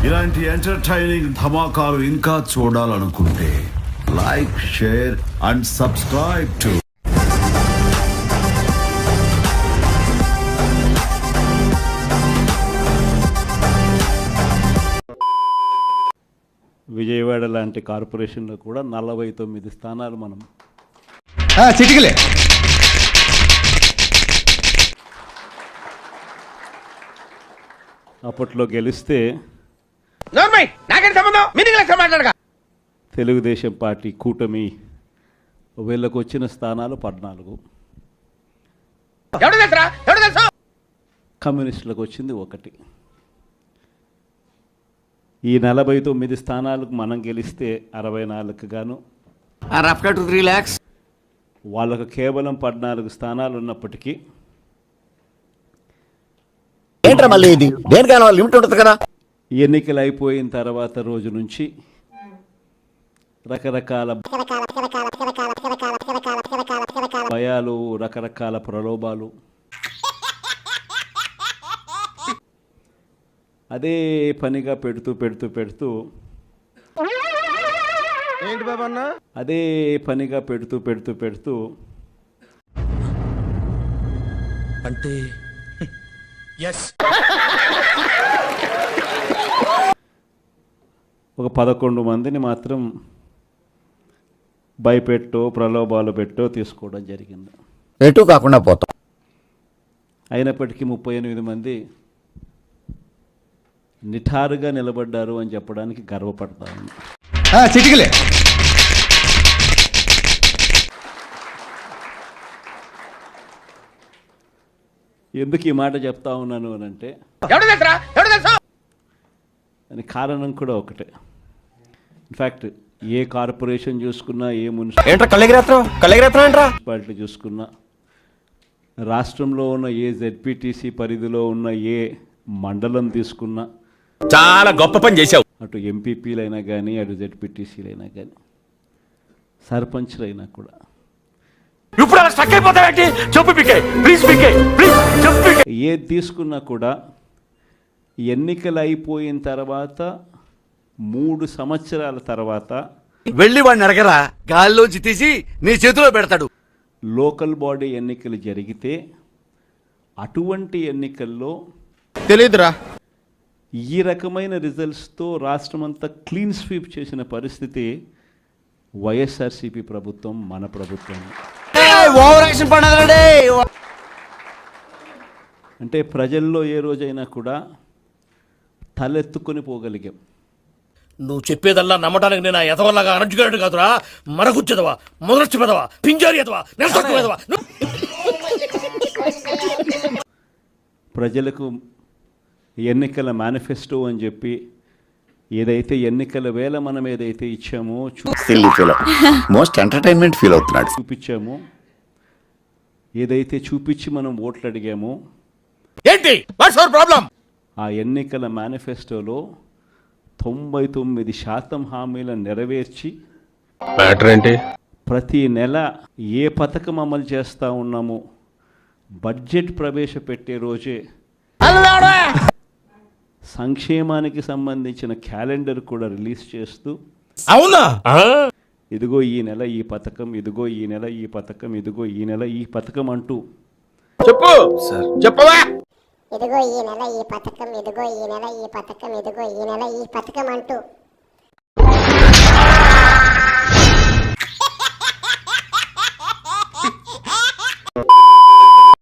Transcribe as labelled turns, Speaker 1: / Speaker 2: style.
Speaker 1: ఇలాంటి ఎంటర్టైనింగ్ ధమాకాలు ఇంకా చూడాలనుకుంటే like, share and subscribe to
Speaker 2: Vijayawada లాంటి కార్పొరేషన్లో కూడా 49 స్థానాలు మనం
Speaker 3: చిటికలే
Speaker 2: అప్పట్లో గెలిస్తే తెలుగుదేశం పార్టీ కూటమి వీళ్ళకు వచ్చిన స్థానాలు 14, కమ్యూనిస్టులకు వచ్చింది 1. ఈ 49 స్థానాలకు మనం గెలిస్తే 64 గాను వాళ్ళకు కేవలం 14 స్థానాలు ఉన్నప్పటికీ
Speaker 3: మళ్ళీ ఇది దేనికైనా లిమిట్ ఉంటుంది కదా.
Speaker 2: ఎన్నికలు అయిపోయిన తర్వాత రోజు నుంచి రకరకాల భయాలు, రకరకాల ప్రలోభాలు, అదే పనిగా పెడుతూ
Speaker 4: ఏంటి బాబన్న
Speaker 2: అదే పనిగా పెడుతూ
Speaker 4: అంటే
Speaker 2: ఒక 11 మందిని మాత్రం భయపెట్టో ప్రలోభాలు పెట్టో తీసుకోవడం జరిగింది.
Speaker 3: ఎటు కాకుండా పోతాం.
Speaker 2: అయినప్పటికీ 38 మంది నిఠారుగా నిలబడ్డారు అని చెప్పడానికి గర్వపడతాను.
Speaker 3: చిటికలే
Speaker 2: ఎందుకు ఈ మాట చెప్తా ఉన్నాను అని అంటే అని కారణం కూడా ఒకటే. ఇన్ఫ్యాక్ట్ ఏ కార్పొరేషన్ చూసుకున్నా, ఏ మున్సిపాలిటీ చూసుకున్నా, రాష్ట్రంలో ఉన్న ఏ జెడ్పీటీసీ పరిధిలో ఉన్న ఏ మండలం తీసుకున్నా
Speaker 4: చాలా గొప్ప పని చేశావు.
Speaker 2: అటు ఎంపీపీలైనా కానీ, అటు జెడ్పీటీసీలైనా కానీ, సర్పంచ్లైనా కూడా ఏది తీసుకున్నా కూడా ఎన్నికలు అయిపోయిన తర్వాత 3 సంవత్సరాల తర్వాత
Speaker 3: వెళ్ళి వాడిని అడగరా, గాల్లోంచి తీసి నీ చేతిలో పెడతాడు.
Speaker 2: లోకల్ బాడీ ఎన్నికలు జరిగితే అటువంటి ఎన్నికల్లో
Speaker 3: తెలియదురా
Speaker 2: ఈ రకమైన రిజల్ట్స్తో రాష్ట్రమంతా క్లీన్ స్వీప్ చేసిన పరిస్థితి వైఎస్ఆర్సీపీ ప్రభుత్వం, మన ప్రభుత్వం. అంటే ప్రజల్లో ఏ రోజైనా కూడా తలెత్తుకొని పోగలిగాం.
Speaker 5: నువ్వు చెప్పేదల్లా నమ్మటానికి నేను ఎదవల్లాగా అనర్జుకేటెడ్ కాదురా, మరగుచ్చదవా, మొదలచ్చి పెదవా, పింజారి ఎదవా, నెలసొక్కుదవా.
Speaker 2: ప్రజలకు ఎన్నికల మేనిఫెస్టో అని చెప్పి ఏదైతే ఎన్నికల వేళ మనం ఏదైతే ఇచ్చామో,
Speaker 3: మోస్ట్ ఎంటర్టైన్మెంట్ ఫీల్ అవుతున్నాడు,
Speaker 2: చూపించామో, ఏదైతే చూపించి మనం ఓట్లు అడిగామో,
Speaker 5: ఏంటి వాట్స్ అవర్ ప్రాబ్లం?
Speaker 2: ఆ ఎన్నికల మేనిఫెస్టోలో 99% హామీలను నెరవేర్చి ప్రతి నెల ఏ పథకం అమలు చేస్తూ ఉన్నామో బడ్జెట్ ప్రవేశపెట్టే రోజే సంక్షేమానికి సంబంధించిన క్యాలెండర్ కూడా రిలీజ్ చేస్తూ,
Speaker 5: అవునా,
Speaker 2: ఇదిగో ఈ నెల ఈ పథకం, ఇదిగో ఈ నెల ఈ పథకం, ఇదిగో ఈ నెల ఈ పథకం అంటూ
Speaker 5: చెప్పు సార్, చెప్పవా,
Speaker 6: ఇదిగో ఈ నెల ఈ పథకం, ఇదిగో ఈ నెల ఈ పథకం, ఇదిగో ఈ నెల ఈ పథకం అంటూ